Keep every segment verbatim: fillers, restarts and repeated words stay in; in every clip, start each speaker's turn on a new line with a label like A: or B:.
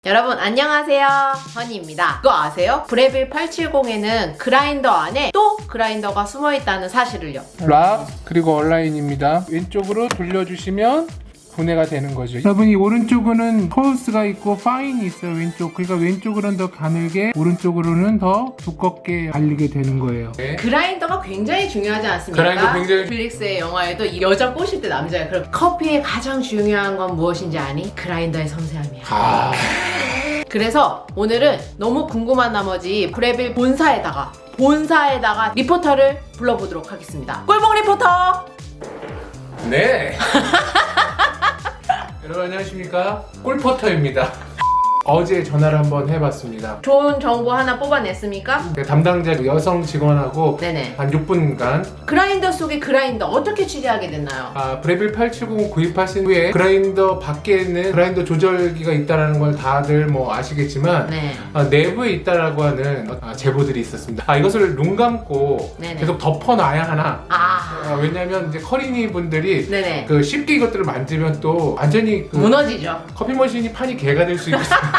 A: 여러분 안녕하세요, 허니입니다. 그거 아세요? 브레빌 팔백칠십에는 그라인더 안에 또 그라인더가 숨어있다는 사실을요.
B: 락 그리고 온라인입니다. 왼쪽으로 돌려주시면 분해가 되는 거죠. 여러분 이 오른쪽으로는 코어스가 있고 파인이 있어요. 왼쪽. 그러니까 왼쪽으로는 더 가늘게, 오른쪽으로는 더 두껍게 발리게 되는 거예요. 네.
A: 그라인더가 굉장히 중요하지 않습니까?
B: 그라인더 굉장히-
A: 넷플릭스의 영화에도 이 여자 꼬실 때 남자야. 그럼 커피의 가장 중요한 건 무엇인지 아니? 그라인더의 섬세함이야.
B: 아...
A: 그래서 오늘은 너무 궁금한 나머지 브레빌 본사에다가 본사에다가 리포터를 불러보도록 하겠습니다. 꿀봉 리포터!
B: 네. 여러분 안녕하십니까? 꿀포터입니다. 어제 전화를 한번 해봤습니다.
A: 좋은 정보 하나 뽑아냈습니까?
B: 담당자 여성 직원하고
A: 네네.
B: 한 육 분간
A: 그라인더 속의 그라인더 어떻게 취재하게 됐나요?
B: 아, 브레빌 팔백칠십 구입하신 후에 그라인더 밖에는 그라인더 조절기가 있다는 걸 다들 뭐 아시겠지만
A: 네.
B: 아, 내부에 있다라고 하는 아, 제보들이 있었습니다. 아, 이것을 눈 감고
A: 네네.
B: 계속 덮어놔야 하나?
A: 아.
B: 아, 왜냐면 이제 커리니 분들이
A: 네네.
B: 그 쉽게 이것들을 만지면 또 완전히 그
A: 무너지죠.
B: 커피 머신이 판이 개가 될 수 있거든요.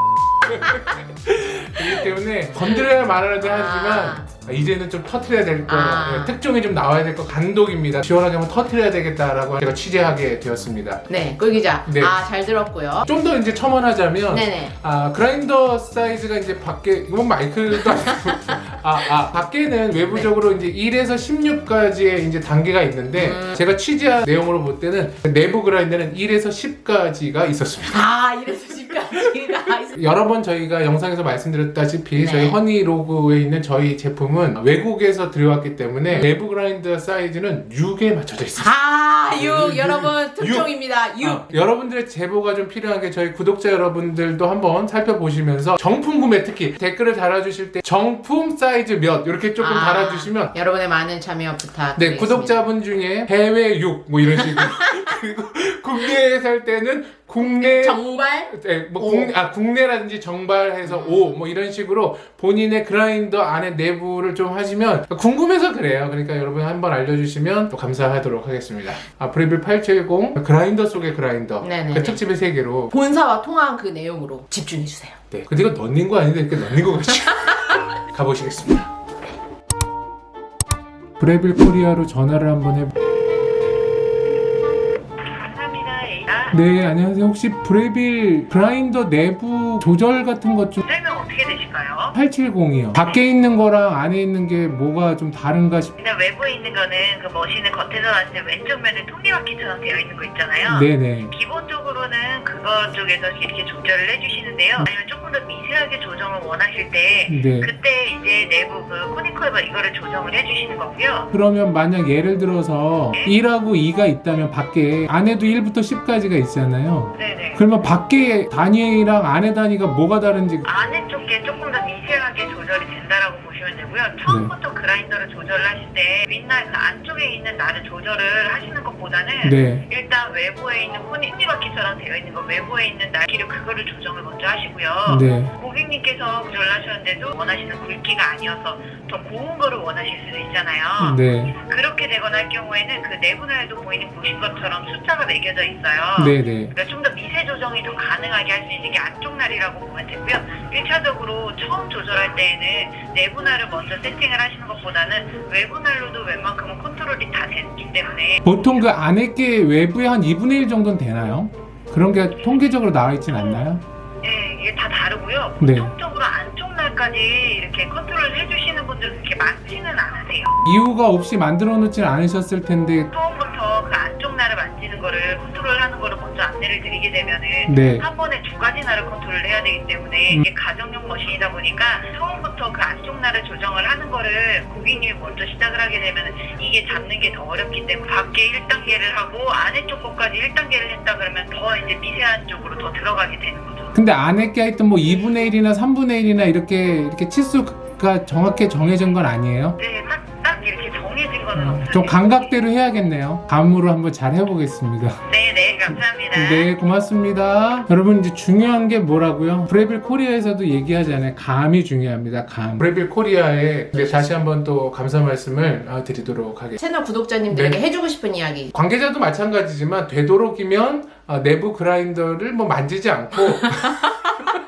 B: 그렇기 때문에 건드려야 말하는데 하지만 아, 이제는 좀 터트려야 될 거,
A: 아.
B: 특종이 좀 나와야 될 거, 간독입니다. 시원하게 한번 터트려야 되겠다라고 제가 취재하게 되었습니다.
A: 네, 꿀 기자.
B: 네.
A: 아, 잘 들었고요.
B: 좀 더 이제 첨언하자면
A: 네네.
B: 아, 그라인더 사이즈가 이제 밖에 이건 마이크도 아니고 아, 아, 밖에는 외부적으로 이제 일에서 십육까지의 이제 단계가 있는데
A: 음.
B: 제가 취재한 내용으로 볼 때는 내부 그라인더는 일에서 십까지가 있었습니다.
A: 아, 이래서 집까지가 있어.
B: 여러 번 저희가 영상에서 말씀드렸다시피
A: 네.
B: 저희 허니로그에 있는 저희 제품은 외국에서 들여왔기 때문에 내부 그라인더 사이즈는 육에 맞춰져 있습니다.
A: 아, 육.
B: 육,
A: 여러분,
B: 육.
A: 특종입니다. 육.
B: 어, 여러분들의 제보가 좀 필요한 게 저희 구독자 여러분들도 한번 살펴보시면서 정품 구매 특히 댓글을 달아주실 때 정품 사이즈 몇 이렇게 조금
A: 아,
B: 달아주시면
A: 여러분의 많은 참여 부탁드리겠습니다.
B: 네, 구독자분 중에 해외 육 뭐 이런 식으로 그리고 국내에 살 때는 국내
A: 정발?
B: 네, 뭐
A: 오.
B: 국내, 아, 국내라든지 정발해서 오 뭐 이런 식으로 본인의 그라인더 안에 내부를 좀 하시면 궁금해서 그래요. 그러니까 여러분 한번 알려주시면 또 감사하도록 하겠습니다. 아, 브레빌 팔백칠십 그라인더 속의 그라인더
A: 네네네.
B: 그 특집의 세계로
A: 본사와 통한 그 내용으로 집중해주세요.
B: 네. 근데 이거 넣는 거 아닌데 이렇게 넣는 거 같이 가보시겠습니다. 브레빌 코리아로 전화를 한번 해.
C: 감사합니다. 에이다.
B: 네, 안녕하세요. 혹시 브레빌 그라인더 내부 조절 같은 것 좀
C: 설명 어떻게 되실까요?
B: 팔백칠십이요. 밖에 있는 거랑 안에 있는 게 뭐가 좀 다른가 싶.
C: 일단 외부에 있는 거는 그 머신을 겉에서 봤을 때 왼쪽 면에 톱니바퀴처럼 되어 있는 거 있잖아요.
B: 네네.
C: 기본적으로는 그거 쪽에서 이렇게 조절을 해주시는데요. 아니면 조금 더 미세하게 조정을 원하실 때
B: 네.
C: 그때 이제 내부 그 코니컬바 이거를 조정을 해주시는 거고요.
B: 그러면 만약 예를 들어서 일하고 이가 있다면 밖에 안에도 일부터 십까지가 있잖아요.
C: 네네.
B: 그러면 밖에 단위랑 안에 단위가 뭐가 다른지.
C: 안에 쪽에 조금 더 미세하게 조절이 된다라고 보시면 되고요. 처음부터 그라인더를 조절을 하실 때 윗날 그 안쪽에 있는 날을 조절을 하시는 것보다는
B: 네.
C: 일단 외부에 있는 톱니바퀴처럼 되어 있는 거 외부에 있는 날기를 그거를 조정을 먼저 하시고요.
B: 네.
C: 고객님께서 조절을 하셨는데도 원하시는 굵기가 아니어서 더 고운 거를 원하실 수도 있잖아요.
B: 네.
C: 그렇게 되거나 할 경우에는 그 내분할도 보이는 보신 것처럼 숫자가 매겨져 있어요.
B: 네네.
C: 그러니까 좀 더 미세 조정이 더 가능하게 할 수 있는 게 안쪽 날이라고 보면 되고요. 일 차적으로 처음 조절할 때에는 내부 날을 먼저 세팅을 하시는 것보다는 외부 날로도 웬만큼은 컨트롤이 다 되기 때문에
B: 보통 그 안에 게 외부에 한 이분의 일 정도는 되나요? 그런 게 통계적으로 나와 있진 않나요?
C: 네, 이게 다 다르고요.
B: 네.
C: 보통적으로 안쪽 날까지 이렇게 컨트롤을 해주시는 분들 그렇게 많지는 않으세요.
B: 이유가 없이 만들어 놓진 않으셨을 텐데.
C: 처음부터 그 안쪽 날을 만지는 거를 컨트롤하는 거를 먼저 안내를 드리게 되면은
B: 네.
C: 한 번에 두 가지 날을 컨트롤을 해야 되기 때문에
B: 음.
C: 이게 가정용 머신이다 보니까 처음부터 그 안쪽 날을 조정을 하는 거를 고객님이 먼저 시작을 하게 되면 이게 잡는 게 더 어렵기 때문에 밖에 일 단계를 하고 안에 쪽 것까지 일 단계를 했다 그러면 더 이제 미세한 쪽으로 더 들어가게 되는 거죠.
B: 근데 안에 게 하여튼 뭐 이분의 일이나 삼분의 일이나 이렇게 이렇게 치수가 정확히 정해진 건 아니에요?
C: 네, 딱, 딱 이렇게 정해진 거는
B: 어,
C: 없어요.
B: 좀 감각대로 해야겠네요. 감으로 한번 잘 해보겠습니다.
C: 네, 네, 감사합니다.
B: 네, 고맙습니다. 여러분 이제 중요한 게 뭐라고요? 브레빌 코리아에서도 얘기하잖아요. 감이 중요합니다. 감. 브레빌 코리아에 네, 다시 한번 또 감사 말씀을 아, 드리도록 하겠습니다.
A: 채널 구독자님들에게
B: 네.
A: 해주고 싶은 이야기.
B: 관계자도 마찬가지지만 되도록이면 아, 내부 그라인더를 뭐 만지지 않고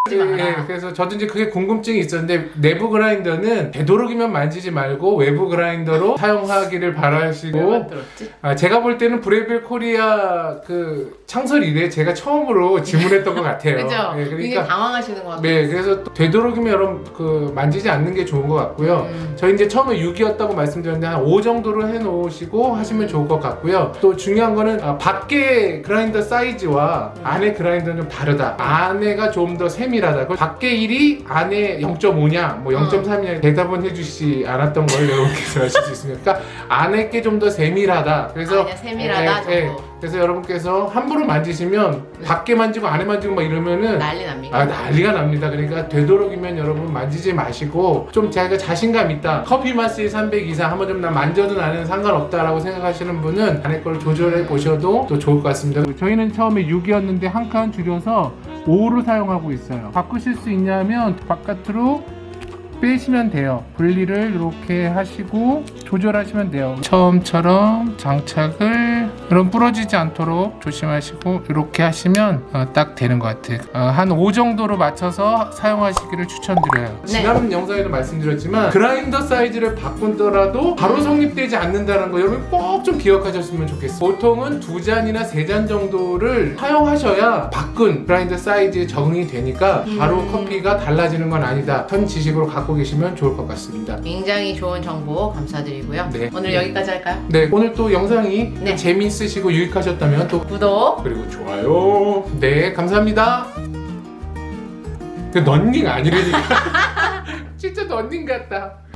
A: 하지 마라.
B: 예, 그래서 저도 이제 그게 궁금증이 있었는데 내부 그라인더는 되도록이면 만지지 말고 외부 그라인더로 사용하기를
A: 왜
B: 바라시고
A: 만들었지?
B: 아, 제가 볼 때는 브레빌 코리아 그 창설 이래 제가 처음으로 질문했던 것 같아요.
A: 그죠?
B: 예,
A: 굉장히
B: 그러니까
A: 당황하시는 것 같아요.
B: 네, 그래서 또 되도록이면 여러분 그 만지지 않는 게 좋은 것 같고요.
A: 음.
B: 저희 이제 처음에 육이었다고 말씀드렸는데 한 오 정도로 해놓으시고 하시면 좋을 것 같고요. 또 중요한 거는 아, 밖에 그라인더 사이즈와
A: 음.
B: 안에 그라인더는 좀 다르다. 안에가 좀 더 세밀하다. 밖에 일이 안에 영 점 오냐, 뭐 영 점 삼이냐 대답은 해주시지 않았던 걸 여러분께서 하실 수 있습니다. 그러니까 안에 게 좀 더 세밀하다. 그래서
A: 아니야, 세밀하다
B: 예, 예.
A: 정도.
B: 그래서 여러분께서 함부로 만지시면 밖에 만지고 안에 만지고 막 이러면은
A: 난리 납니까?
B: 아 난리가 납니다. 그러니까 되도록이면 여러분 만지지 마시고 좀 자기가 자신감 있다. 커피 맛이 삼백 이상 한번 좀 나 만져도 나는 상관없다라고 생각하시는 분은 안에 걸 조절해 보셔도 또 좋을 것 같습니다. 저희는 처음에 육이었는데 한 칸 줄여서 오로 사용하고 있어요. 바꾸실 수 있냐면 바깥으로 빼시면 돼요. 분리를 이렇게 하시고 조절하시면 돼요. 처음처럼 장착을 그럼 부러지지 않도록 조심하시고 이렇게 하시면 어, 딱 되는 것 같아요. 어, 한 오 정도로 맞춰서 사용하시기를 추천드려요.
A: 네.
B: 지난 영상에도 말씀드렸지만 그라인더 사이즈를 바꾼더라도 바로 성립되지 않는다는 거 여러분 꼭 좀 기억하셨으면 좋겠어요. 보통은 두 잔이나 세 잔 정도를 사용하셔야 바꾼 그라인더 사이즈에 적응이 되니까 바로
A: 음.
B: 커피가 달라지는 건 아니다. 현 지식으로 갖고 계시면 좋을 것 같습니다.
A: 굉장히 좋은 정보 감사드리고요.
B: 네.
A: 오늘 여기까지 할까요?
B: 네, 오늘 또 영상이
A: 네.
B: 재미있으시고 유익하셨다면 또
A: 구독.
B: 그리고 좋아요. 네, 감사합니다. 그 런닝 아니라니까. 진짜 런닝 같다.